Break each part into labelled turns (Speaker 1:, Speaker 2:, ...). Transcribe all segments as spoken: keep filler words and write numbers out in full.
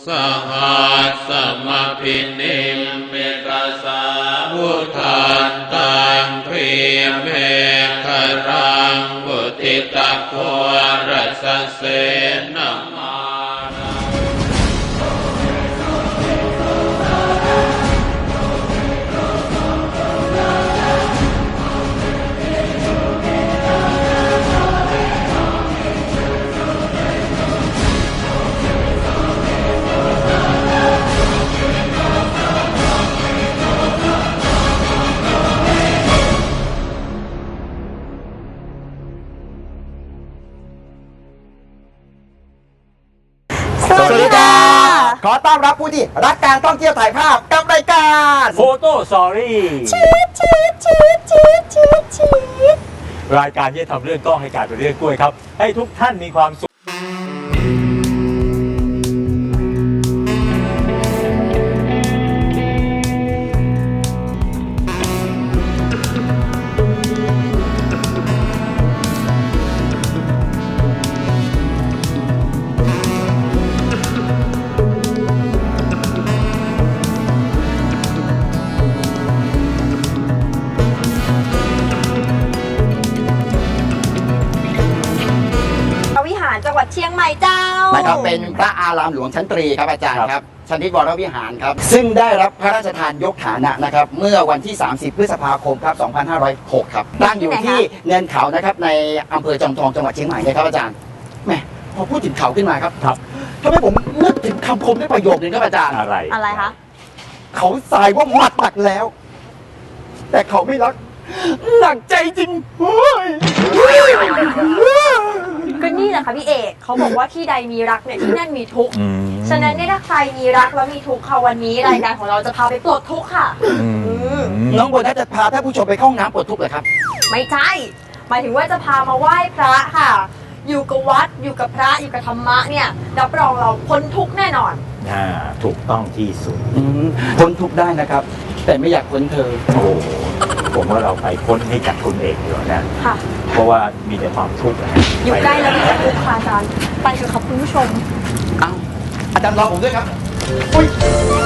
Speaker 1: สหัสสมพินิมเมกสาวุธานตังพรีเมฆรังบุติตะโครัสเสนามา
Speaker 2: สวัสดีครับขอต้อนรับผู้ที่รักการท่องเที่ยวถ่ายภาพกับรายการ
Speaker 3: โฟโต้สตอรี่
Speaker 2: ชีดชีดชีดชีดชีดชีด
Speaker 3: รายการที่จะทำเรื่องกล้องให้กลายเป็นเรื่องกล้วยครับให้ทุกท่านมีความสุข
Speaker 4: จังหวัดเชียงใหม่เจ้า
Speaker 2: นะครับเป็นพระอารามหลวงชั้นตรีครับอาจารย์ครับชนิดวรวิหารครับซึ่งได้รับพระราชทานยกฐานะนะครับเมื่อวันที่สามสิบพฤษภาคมครับสองพันห้าร้อยหกครับตั้งอยู่ที่เนินเขานะครับในอำเภอจอมทองจังหวัดเชียงใหม่เลยครับอาจารย์แหมพอพูดถึงเขาขึ้นมาครับ
Speaker 3: ครับ
Speaker 2: ทำให้ผมนึกถึงคำคมในประโยคนึงครับอาจารย์
Speaker 3: อะไร
Speaker 4: อะไรคะ
Speaker 2: เขาทรายว่าหมัดหนักแล้วแต่เขาไม่รักหนักใจจริงเฮ้ย
Speaker 4: ก็นี่แหละค่ะพี่เอกเขาบอกว่าที่ใดมีรักเนี่ยที่นั่นมีทุกข์ฉะนั้นเนี่ยถ้าใครมีรักแล้วมีทุกข์ค่ะวันนี้รายการของเราจะพาไปปลดทุกข์ค่ะ
Speaker 2: น้องโบนัสจะพาท่านผู้ชมไปเข้าห้องน้ำปลดทุกข์เหรอครับ
Speaker 4: ไม่ใช่หมายถึงว่าจะพามาไหว้พระค่ะอยู่กับวัดอยู่กับพระอยู่กับธรรมะเนี่ยรับรองเราพ้นทุกข์แน่นอน
Speaker 3: อ่าถูกต้องที่สุด
Speaker 2: พ้นทุกข์ได้นะครับแต่ไม่อยากพ้นเธอ
Speaker 3: โอ้ผมว่าเราไปพ้นให้จากคุณเอกดีกว่านะ
Speaker 4: ค่ะ
Speaker 3: เพราะว่ามีแต่ความทุกข์
Speaker 4: อยู่ใกล้แล้วมีแต่ทุกข์ค่ะอาจารย์ไปเถอะครับคุณผู้ชม
Speaker 2: อ้าวอาจารย์รอผมด้วยครับอุ้ย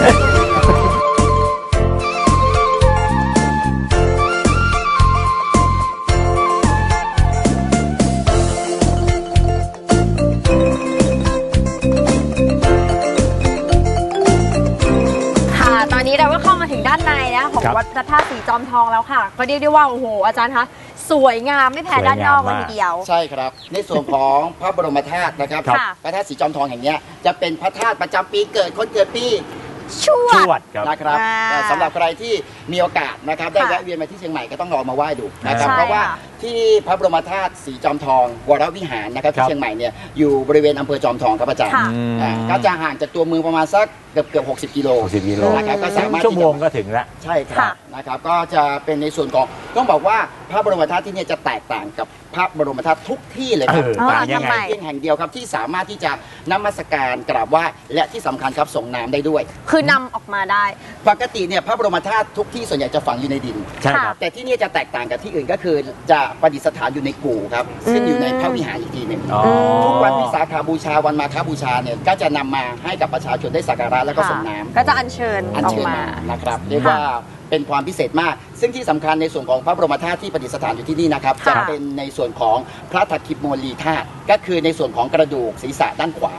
Speaker 4: ตอนนี้เราก็เข้ามาถึงด้านในนะของวัดพระธาตุสีจอมทองแล้วค่ะก็เรียกได้ว่าโอ้โหอาจารย์คะสวยงามไม่แพ้ด้านนอกเลยทีเดียว
Speaker 2: ใช่ครับในส่วนของพระบรมธาตุนะครับพระธาตุสีจอมทองแห่งนี้จะเป็นพระธาตุประจำปีเกิดคนเกิดปี
Speaker 4: ชวด
Speaker 2: นะครับสำหรับใครที่มีโอกาสนะครับได้แวะเวียนมาที่เชียงใหม่ก็ต้องลองมาไหว้ดูนะครับเพราะว่าที่พระบรมธาตุสีจอมทองวรวิหารนะครับที่เชียงใหม่เนี่ยอยู่บริเวณอำเภอจอมทองครับอาจารย์ก็จะห่างจากตัวเมืองประมาณสักเกือบเกือบหกสิบกิโล
Speaker 3: หกสิบกิโล
Speaker 2: นะครับก็สามารถ
Speaker 3: ชั่วโมงก็ถึงแล้ว
Speaker 2: ใช่ครับนะครับก็จะเป็นในส่วนของต้องบอกว่าพระบรมธาตุที่นี่จะแตกต่างกับพระบรมธาตุทุกที่เลยครับ
Speaker 3: ต่างยังไง
Speaker 2: เพียงแห่งเดียวครับที่สามารถที่จะนมัสการกราบไหว้และที่สำคัญครับส่งน้ำได้ด้วย
Speaker 4: คือนำออกมาได้
Speaker 2: ปกติเนี่ยพระบรมธาตุทุกที่ส่วนใหญ่จะฝังอยู่ในดิน
Speaker 3: ใช่ครับ
Speaker 2: แต่ที่นี่จะแตกต่างกับที่อื่นก็คือจะประดิษฐานอยู่ในกู่ครับซึ่งอยู่ในพระวิหารอีกทีหนึ่งทุกวันวิสาขบูชาวันมาฆบูชาเนี่ยก็จะนำมาให้กับประชาชนได้สักการะแล้วก็ส่งน้ำ
Speaker 4: ก็จะอัญเชิญ
Speaker 2: ออกมานะครับเรียกว่าเป็นความพิเศษมากซึ่งที่สำคัญในส่วนของพระบรมธาตุที่ประดิษฐานอยู่ที่นี่นะครับจะเป็นในส่วนของพระทักขิโมลีธาตุก็คือในส่วนของกระดูกศีรษะด้านขวา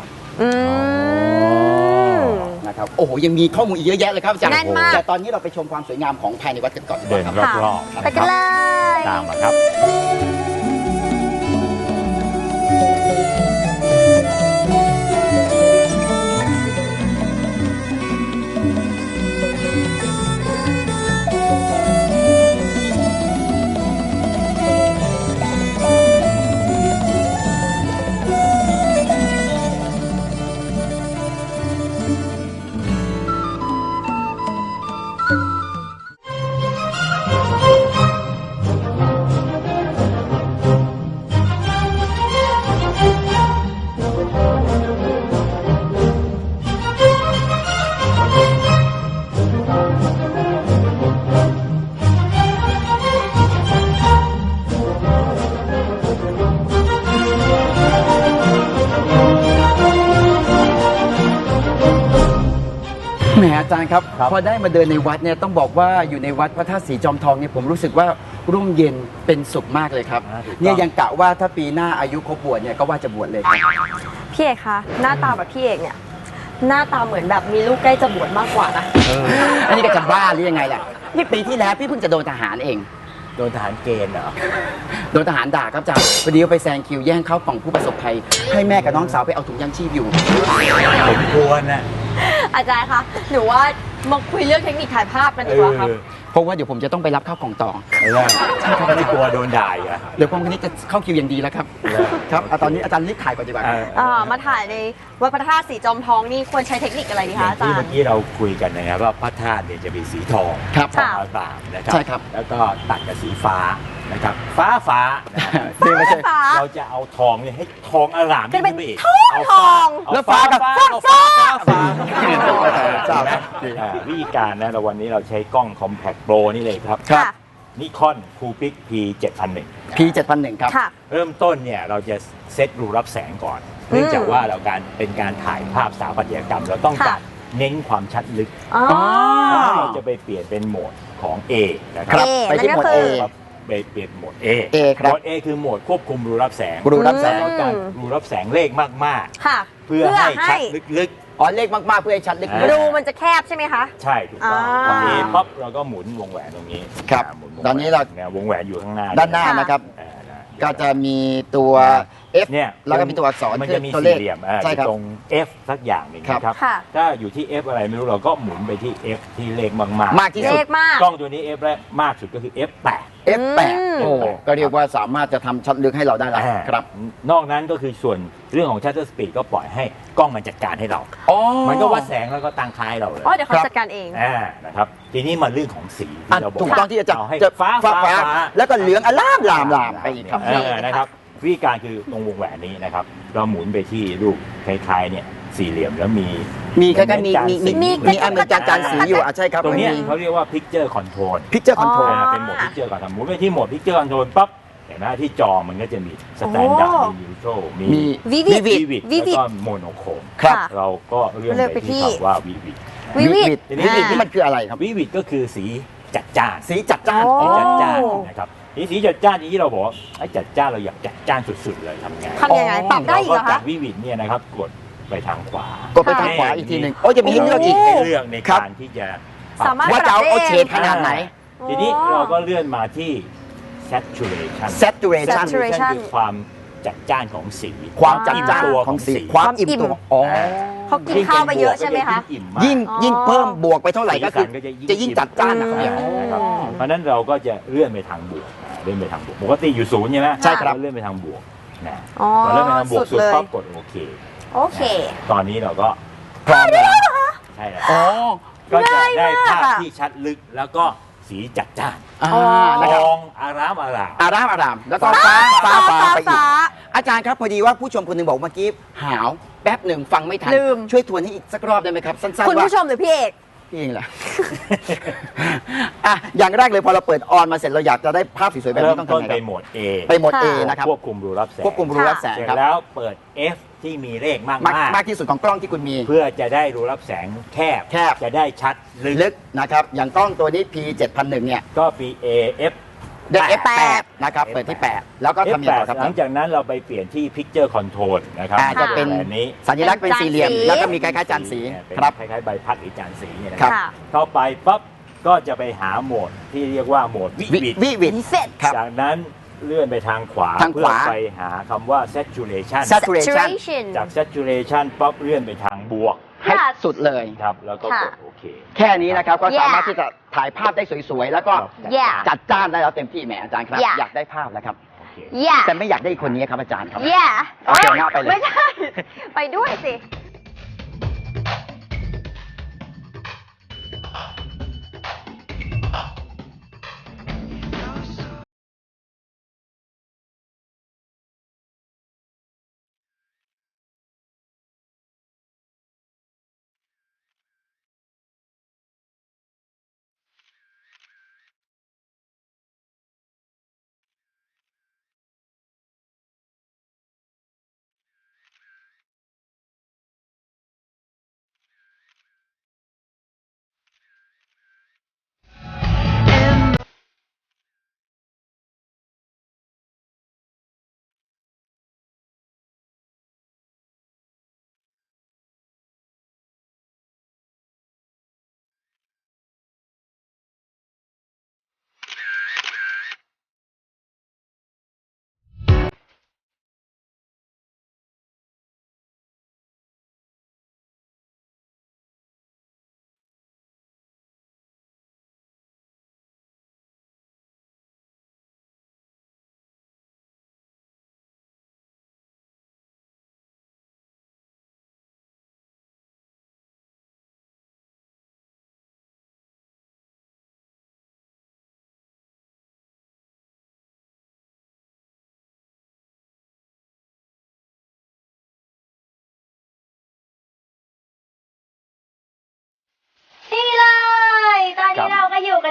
Speaker 2: นะครับโอ้โหยังมีข้อมูลอีกเยอะแยะเลยครับอาจารย์แต่ตอนนี้เราไปชมความสวยงามของภายในวัดกันก่อน
Speaker 3: เดินรอบ
Speaker 4: ๆไปกันเลย
Speaker 3: ตามมาครับ
Speaker 2: จารย์ครับ
Speaker 3: ครับ
Speaker 2: พอได้มาเดินในวัดเนี่ยต้องบอกว่าอยู่ในวัดพระธาตุสีจอมทองเนี่ยผมรู้สึกว่าร่มเย็นเป็นสุขมากเลยครับ
Speaker 3: อ่าถูกต้อง
Speaker 2: เนี่ยยังกะว่าถ้าปีหน้าอายุครบบวชเนี่ยก็ว่าจะบวชเลยครับ
Speaker 4: พี่เอกคะหน้าตาแบบพี่เอกเนี่ยหน้าตาเหมือนแบบมีลูกใกล้จะบวชมากกว่านะ
Speaker 2: อันนี้ก็จะบ้าหรือยังไงล่ะนี่ปีที่แล้วพี่เพิ่งจะโดนทหารเอง
Speaker 3: โดนทหารเกณฑ์เหรอ
Speaker 2: โดนทหารด่าครับอาจารย์พอดีว่าไปแซงคิวแย่งเข้ากล่องผู้ประสบภัยให้แม่กับน้องสาวไปเอาถุงยังชีพอยู่
Speaker 3: ผมควรนะ
Speaker 4: อาจารย์คะหนูว่ามาคุยเรื่องเทคนิคถ่ายภาพกันดีกว่าครับ
Speaker 2: เพราะว่าเดี๋ยวผมจะต้องไปรับข้าวกล่องต่อ
Speaker 3: เออไม่กลัวโดนด่าอีกอ่ะ
Speaker 2: เดี๋ยวพรุ่งนี้จะเข้าคิวอย่างดีแล้วครับ
Speaker 3: เออ
Speaker 2: ครับเอาตอนนี้อาจารย์รีบถ่ายก่อนดีกว่า
Speaker 3: เออ
Speaker 4: อ่ามาถ่ายในวัดพระธาตุสีจอมทองนี่ควรใช้เทคนิคอะไรดี
Speaker 3: อ
Speaker 4: คะ
Speaker 3: ย่าง
Speaker 4: อาจา
Speaker 3: ที่
Speaker 4: ร
Speaker 3: เมื่อ
Speaker 4: ย์
Speaker 3: กี้เราคุยกันนะครับว่าพระธาตุเนี่ยจะมีสีทอง
Speaker 2: ครับ
Speaker 3: ทองอารามนะครั
Speaker 2: ใช่ครับ
Speaker 3: แล้วก็ตัดกับสีฟ้านะครับฟ้าฟ้านะ
Speaker 2: นี่ไม่ใช่
Speaker 4: ฟ้า
Speaker 3: เราจะเอาทองเนี่ยให้ทองอาราม
Speaker 4: เป็นเป็น
Speaker 3: ขึ้ไปอีก
Speaker 4: ทอง
Speaker 3: เอา
Speaker 4: ทอง
Speaker 3: เา
Speaker 2: แล้วฟ้ากับ
Speaker 3: เอาฟ้าฟ้าฟ้า
Speaker 2: ทราบ
Speaker 3: เห็นไหม
Speaker 2: ครับ
Speaker 3: อ่าวิธีการนะเราวันนี้เราใช้กล้อง Compact Pro นี่เลยครับ
Speaker 2: ครับ
Speaker 3: นิคอนคูปิก พี เจ็ดพันหนึ่ง
Speaker 2: พี เจ็ดพันหนึ่ง ครับ
Speaker 4: ค่ะ
Speaker 3: เริ่มต้นเนี่ยเราจะเซตรูรับแสงก่อน เนื่องจากว่าเราการเป็นการถ่ายภาพสถาปัตยกรรม เราต้องการ
Speaker 4: ค่ะ
Speaker 3: เน้นความชัดลึก
Speaker 4: อ๋อ
Speaker 3: เราจะไปเปลี่ยนเป็นโหมดของ A นะค
Speaker 2: ครั
Speaker 3: รับ
Speaker 2: บไปที่หมวด
Speaker 4: นั่นก็
Speaker 2: A
Speaker 4: คือ
Speaker 3: ครับไปเปลี่ยนโหมด A
Speaker 2: A ครับ
Speaker 3: โหมด A คือโหมดควบคุมรูรับแสง
Speaker 2: รูรับแสง
Speaker 3: เราต้องการรูรับแสงเลขมาก
Speaker 4: ค่ะ
Speaker 3: ๆ เพื่อให้ชัดลึก
Speaker 2: อ๋อเลขมาก ๆ เพื่อให้ชัดลึก
Speaker 3: อ่า
Speaker 4: รูมันจะแคบใช่ไหมคะ
Speaker 3: ๆ ใช่ถูกต้อง
Speaker 4: อ่า
Speaker 3: พอ A ปั๊บเราก็หมุนวงแหวนตรงนี้
Speaker 2: ครับ
Speaker 3: าหมุวง
Speaker 2: ตอนนี้เรา
Speaker 3: แหวเนี่ยวงแหวนอยู่ข้างหน้า
Speaker 2: ด้านหน้า
Speaker 4: ค่ะ
Speaker 2: นะครับ
Speaker 3: อ่านะ
Speaker 2: ก็จะมีตัว F
Speaker 3: เนี่ย
Speaker 2: แล้วก็มีตัวอักษร
Speaker 3: มัน
Speaker 2: คือ
Speaker 3: จะมี
Speaker 2: ตัวเล
Speaker 3: สี่
Speaker 2: ข
Speaker 3: เหลี่ยมอ่า
Speaker 2: ใช่ครับ
Speaker 3: ตรง F สักอย่างหนึ่ง
Speaker 2: ครับ
Speaker 3: นะครับ
Speaker 4: ค่ะ
Speaker 3: ถ้าอยู่ที่ F อะไรไม่รู้เราก็หมุนไปที่ F ที่เลขมากๆ
Speaker 2: มากที่สุด
Speaker 4: เลขมาก
Speaker 3: กล้องตัวนี้ F แรกมากสุดก็คือ เอฟ แปด
Speaker 2: เอฟ แปด
Speaker 4: อืม
Speaker 2: โอ้ก็เรียกว่าสามารถจะทำชัดลึกให้เราได้แล้ว
Speaker 3: อ่า
Speaker 2: ครับ
Speaker 3: นอกนั้นก็คือส่วนเรื่องของ shutter speed ก็ปล่อยให้กล้องมันจัดการให้เรา
Speaker 2: อ๋อ
Speaker 3: มันก็วัดแสงแล้วก็ตั้งค่าให้เราเลย
Speaker 4: อ๋อเดี๋ยวเขา
Speaker 2: ครับ
Speaker 4: จัดการเอง
Speaker 3: อ่านะครับทีนี้มาเรื่องของสี
Speaker 2: อ่ะ
Speaker 3: ที่เราบอก
Speaker 2: ถูกต้องที่จะจับ
Speaker 3: เอาให้
Speaker 2: จะ
Speaker 3: ฟ้า
Speaker 2: ฟ้า
Speaker 3: ฟ้า
Speaker 2: ฟ้า
Speaker 3: ฟ้า
Speaker 2: แล้วก็เหลืองอลามลามลามไปอีกครับ
Speaker 3: เออนะครับวิธีการคือตรงวงแหวนนี้นะครับเราหมุนไปที่รูปคล้ายๆเนี่ยสี่เหลี่ยมแล้วมี
Speaker 2: มีคล้ายๆมีมีมี
Speaker 4: มี
Speaker 2: มีอันเหมือนจานจานสีอยู่อ่ะใช่ครับ
Speaker 3: ตรงเนี้ย
Speaker 2: มี
Speaker 3: เขาเรียกว่า picture control
Speaker 2: พิกเจอร์คอนโทรล
Speaker 4: อ๋อ
Speaker 3: เป็นโหมด picture control หมุนไปที่โหมด picture control ปั๊บเห็นไหมที่จอมันก็จะมี standard
Speaker 4: โอ้
Speaker 3: มี neutral มี
Speaker 2: มี
Speaker 4: Vivid
Speaker 3: vivid แล้ว
Speaker 4: Vivid
Speaker 3: ก็ monochrome
Speaker 2: ครับ
Speaker 4: ค่ะ
Speaker 3: เราก็เลื่อน
Speaker 4: เลื่อน
Speaker 3: ไป
Speaker 4: ไปที่
Speaker 3: ที่คำว่า vivid
Speaker 4: วิวิ
Speaker 2: วิ
Speaker 4: ด
Speaker 3: ทีนี้
Speaker 2: วินี่มันคืออะไรครับ
Speaker 3: vivid ก็คือสีจัดจ้าน
Speaker 2: สีจัดจ้าน
Speaker 4: โอ้
Speaker 3: สีจัดจ้านนะครับนี่สีจัดจ้านที่เราบอกว่าไอ้จัดจ้านเราอยากจัดจ้านสุดๆเลยทำไง
Speaker 4: ทำยังไง ปรับได้อีกเหรอ
Speaker 3: เราก็จา
Speaker 4: คะ
Speaker 3: กวิวิดเนี่ยนะครับกดไปทางขวาก
Speaker 2: ดไปทางขวาอีกทีหนึ่งโอ้จะมีให้เลือกอีก
Speaker 3: ให้เลือกใน
Speaker 2: ครับ
Speaker 3: การที่จะปรับ
Speaker 4: สามารถ
Speaker 2: ว่าจะเอาเอาเฉดขนาดไหน
Speaker 3: ทีนี้เราก็เลื่อนมาที่ saturation
Speaker 2: saturation
Speaker 4: saturation
Speaker 3: คือความจัดจ้านของสี
Speaker 2: ความจัดจ้าน
Speaker 3: อิ่มตัว
Speaker 2: ของสี
Speaker 3: ของสี
Speaker 2: ความอิ่มตัวอ๋อ
Speaker 4: เขากินข้าวไปเยอะใช่ไหมคะ
Speaker 2: ยิ่ง
Speaker 4: อ๋อ
Speaker 2: ยิ่งเพิ่มบวกไปเท่าไหร่ก็คือ
Speaker 3: สีสันก็จะยิ่ง
Speaker 2: จะยิ่งจัดจ้านนะครับ
Speaker 3: อ่านะครับเพราะฉะนั้นเราก็จะเลื่อนไปทางบวกอ่าเลื่อนไปทางบวกปกติอยู่ศูนย์ใช่ไหม
Speaker 2: ใช่ครับ
Speaker 3: เาเลื่อนไปทางบวกนะ
Speaker 4: อ๋อ
Speaker 3: พอเลื่อนไปทางบวก
Speaker 4: สุ
Speaker 3: สุ
Speaker 4: ด
Speaker 3: ด
Speaker 4: เลย
Speaker 3: ปั๊บกดโอเค
Speaker 4: โอเค
Speaker 3: ตอนนี้เราก็
Speaker 2: พร้อมแล้ว
Speaker 3: ใช่แล้ว
Speaker 2: อ๋อ
Speaker 3: ก็จะได้ภาพ
Speaker 4: ง่ายมากอะ
Speaker 3: ที่ชัดลึกแล้วก็สีจัดจ้าน
Speaker 2: อ่า
Speaker 4: อ๋อ
Speaker 2: นะ
Speaker 3: ท
Speaker 2: ครับ
Speaker 3: องอารามอาราม
Speaker 2: อารามอารามแล้วก็ฟ้าฟ้าฟ้าไปอีก
Speaker 4: ฟ้า
Speaker 2: อาจารย์ครับพอดีว่าผู้ชมคนหนึ่งบอกเมื่อกี้หาวแป๊บหนึ่งฟังไม่ทัน
Speaker 4: ลืม
Speaker 2: ช่วยทวนให้อีกสักรอบได้ไหมครับ สั้น
Speaker 4: คุณ
Speaker 2: ๆว่า
Speaker 4: ผู้ชมหรือพี่เอก
Speaker 2: พี่เองแหละ อ่ะอย่างแรกเลยพอเราเปิดออนมาเสร็จเราอยากจะได้ภาพสวยๆแบบ
Speaker 3: เริ่
Speaker 2: นี้
Speaker 3: ม
Speaker 2: ต้อง
Speaker 3: ต้น
Speaker 2: ทำไง
Speaker 3: ไป
Speaker 2: ครับ
Speaker 3: โหมด A
Speaker 2: ไปโหมด A
Speaker 4: ค่ะ
Speaker 2: นะครับ
Speaker 3: ควบคุมรูรับแสง
Speaker 2: ควบคุมรูรับแสง
Speaker 3: เสร็จ
Speaker 2: ครับ
Speaker 3: แล้วเปิด F ที่มีเลขมาก
Speaker 2: มาก
Speaker 3: มาก
Speaker 2: มากที่สุดของกล้องที่คุณมี
Speaker 3: เพื่อจะได้รูรับแสงแคบ
Speaker 2: แคบ
Speaker 3: จะได้ชัดลึก
Speaker 2: ลึกนะครับ อย่างกล้องตัวนี้ พี เจ็ดพันหนึ่ง เนี่ย
Speaker 3: ก็ปี A F
Speaker 2: ได้ เอฟ
Speaker 4: แป
Speaker 2: แป
Speaker 4: ด
Speaker 2: ด นะครับ เปิดที่ แปด แล้วก็ทำยังไงต่อครับ
Speaker 3: หลังจากนั้นเราไปเปลี่ยนที่ Picture Control นะครับ
Speaker 2: อ่าจะเป็น
Speaker 3: แบบนี้
Speaker 2: สัญลักษณ์เป็นสี่เหลี่ยม
Speaker 4: จานสี
Speaker 2: แล้วก็มีคล้ายๆจานสี
Speaker 3: เนี่ยเป็น
Speaker 2: ครับ
Speaker 3: คล้ายๆใบพัดหรือจานสีเนี่ยนะ
Speaker 2: ค
Speaker 3: ค
Speaker 2: รั
Speaker 3: รับ บ
Speaker 4: ค่ะ
Speaker 3: เข้าไปปั๊บก็จะไปหาโหมดที่เรียกว่าโหมดวิ
Speaker 2: วิ
Speaker 3: วิด
Speaker 2: วิวิด
Speaker 4: เสร็จ
Speaker 2: ครับ
Speaker 3: จากนั้นเลื่อนไปทางขวา
Speaker 2: ทางขวา
Speaker 3: เพื่อไปหาคำว่า saturation
Speaker 2: saturation
Speaker 4: saturation
Speaker 3: จาก saturation ปั๊บเลื่อนไปทางบวก
Speaker 2: ให้สุดเลย
Speaker 3: ครับแล้วก็ก
Speaker 4: ค่ะ
Speaker 3: ดโอเค
Speaker 2: แค่นี้นะครับ ก็
Speaker 4: Yeah
Speaker 2: สามารถที่จะถ่ายภาพได้สวยๆ แล้วก็
Speaker 4: Yeah
Speaker 2: จัดจ้านได้แล้วเต็มที่แหมอาจารย์ครับ
Speaker 4: Yeah
Speaker 2: อยากได้ภาพแล้วครับ
Speaker 3: โอเค
Speaker 4: yeah
Speaker 2: แต่ไม่อยากได้อีกคนนี้ครับอาจารย์ครับ
Speaker 4: yeah
Speaker 2: เอาเดี๋ยวหน้าไปเลย
Speaker 4: ไม่ใช่ ไปด้วยสิ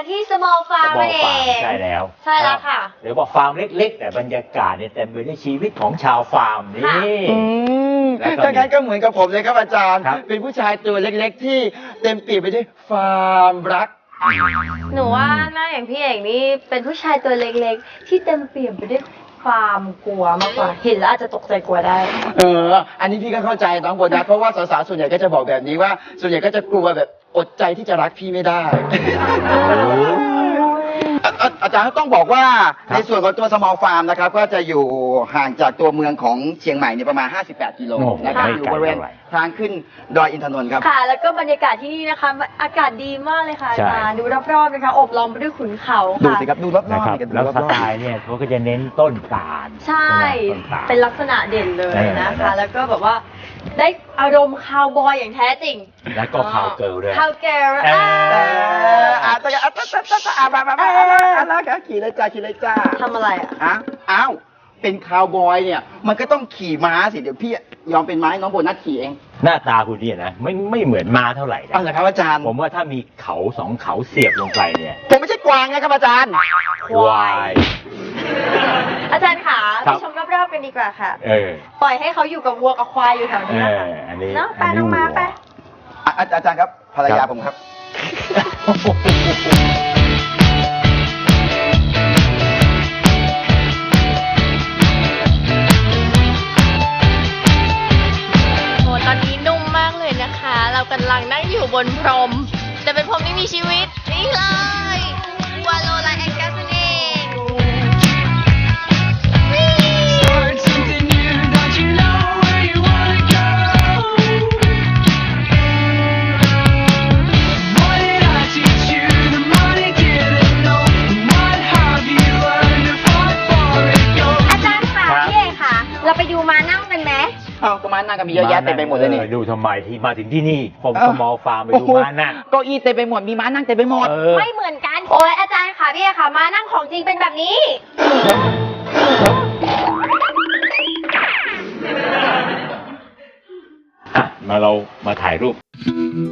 Speaker 4: กันที่ small farm
Speaker 3: บอ
Speaker 4: นั่นเอ
Speaker 3: ฟาร์ม
Speaker 4: ง
Speaker 3: ใช่แล้ว
Speaker 4: ใช่แล้วค่ะ
Speaker 3: เดี๋ยวบอกฟาร์มเล็กๆ แต่บรรยากาศเนี่ยเต็มไปด้วยชีวิตของชาวฟาร์มนี่
Speaker 2: อืม
Speaker 3: แล้วก็มี
Speaker 2: ถ้างั้นก็เหมือนกับผมเลยครับอาจารย์
Speaker 3: ครับ
Speaker 2: เป็นผู้ชายตัวเล็กๆ ที่เต็มเปี่ยมไปด้วยความรัก
Speaker 4: หนูว่าหน้าอย่างพี่เอกนี่เป็นผู้ชายตัวเล็กๆ ที่เต็มเปี่ยมไปด้วยความกลัวมากกว่า เห็นแล้วอาจจะตกใจกลัวได้
Speaker 2: เออ อันนี้พี่ก็เข้าใจน้องโบนัสเพราะว่าสาวๆ ส่วนใหญ่ก็จะบอกแบบนี้ว่า ส่วนใหญ่ก็จะกลัวแบบอดใจที่จะรักพี่ไม่ได้ อาอาอาจารย์ต้องบอกว่า
Speaker 3: ครับ
Speaker 2: ในส่วนของตัว small farm นะครับ ก็จะอยู่ห่างจากตัวเมืองของเชียงใหม่เนี่ยประมาณ ห้าสิบแปด กิโล
Speaker 3: โอ้
Speaker 2: นะครับ
Speaker 3: ไม่
Speaker 2: อยู่
Speaker 3: ไกล
Speaker 2: บริเวณ
Speaker 3: เท่าไหร่
Speaker 2: ทางขึ้นดอยอินทนนท์ครับ
Speaker 4: ค่ะ แล้วก็บรรยากาศที่นี่นะคะ อากาศดีมากเลยค่ะอา
Speaker 3: ใช่
Speaker 4: จารย์ดูรอบๆนะคะ อบล้อมไปด้วยขุนเขา
Speaker 2: ดู
Speaker 4: ค่ะ
Speaker 2: สิครับ ดูรอบ
Speaker 3: นะ
Speaker 2: ๆ
Speaker 3: ครับ
Speaker 2: นี่กันดู
Speaker 3: แล้ว
Speaker 2: ร
Speaker 3: ส
Speaker 2: อบ
Speaker 3: ไตล์เนี่ยเขาก็จะเน้นต้นตาล
Speaker 4: ใช่
Speaker 3: ต้นตาล
Speaker 4: เป็นลักษณะเด่นเลยนะ
Speaker 3: เอ
Speaker 4: คะ
Speaker 3: อ
Speaker 4: แล้วก็แบบว่าได้อารมณ์คาวบอยอย่างแท้จริง
Speaker 3: แล้วก็คาวเกิร์ลด้วย
Speaker 4: คาวเกิร์ล
Speaker 3: เออ
Speaker 2: ๆเอ
Speaker 4: อ่า
Speaker 2: ออาจจะอ่ะตะตะตะตะอ่ะมามามามามามามาขี่เลยจ้าขี่เลยจ้า
Speaker 4: ทำอะไรอ่ะ
Speaker 2: อ้าวอ้าว เป็นคาวบอยเนี่ย มันก็ต้องขี่ม้าสิ เดี๋ยวพี่ยอมเป็นม้าให้น้องโบนัสขี่เอง
Speaker 3: หน้าตาคุณเนี่ยนะไม่ไม่เหมือนม้าเท่าไหร่นะ
Speaker 2: เอาเหรอครับอาจารย์
Speaker 3: ผมว่าถ้ามีเขาสองเขาเสียบลงไปเนี่ย
Speaker 2: ผมไม่ใช่กวางนะครับอาจารย์
Speaker 3: ควาย
Speaker 4: อาจารย์ขา
Speaker 3: ครั
Speaker 4: ไป
Speaker 3: บ
Speaker 4: ชมรอบๆกันดีกว่าค่ะ
Speaker 3: เออ
Speaker 4: ปล่อยให้เขาอยู่กับวัวกับควายอยู่แถว
Speaker 3: เอ
Speaker 4: นี้นะคะ
Speaker 3: ออันนี้
Speaker 4: เนาะไป
Speaker 3: อันนี้
Speaker 4: น้องมา
Speaker 3: วัว
Speaker 4: ไป
Speaker 2: อ่ะอาอาจารย์ครับ ภรรยา
Speaker 3: ครับ
Speaker 2: ผมครับ
Speaker 4: โหตอนนี้นุ่มมากเลยนะคะ เรากำลังนั่งอยู่บนพรม แต่เป็นพรมที่มีชีวิต นี่เลยวาโลไลแองกัสเอง
Speaker 5: Start something new, don't you know where you wanna go? What did I teach you? The money didn't know. What have you learned to fight for it? Go.
Speaker 4: อาจารย์ค่ะ
Speaker 3: ครับ
Speaker 4: พี่เอกค่ะ เราไปดูมานั่งกันไหม
Speaker 2: เอาก็ม้านั่งกันมีเยอะแยะเต็มไปหมดเลยนี่
Speaker 3: ออดูทำไมที่มาถึงที่นี่ ผม
Speaker 2: เอ้า
Speaker 3: สมอลฟาร์มไปดูม้านั่ง
Speaker 2: เก้าอี้เต็มไปหมด มีม้านั่งเต็มไปหมด
Speaker 3: เออ
Speaker 4: ไม่เหมือนกัน โอ้ยอาจารย์ค่ะพี่เอกค่ะ มานั่งของจริงเป็นแบบนี้
Speaker 3: อ่ะมาเรามาถ่ายรูป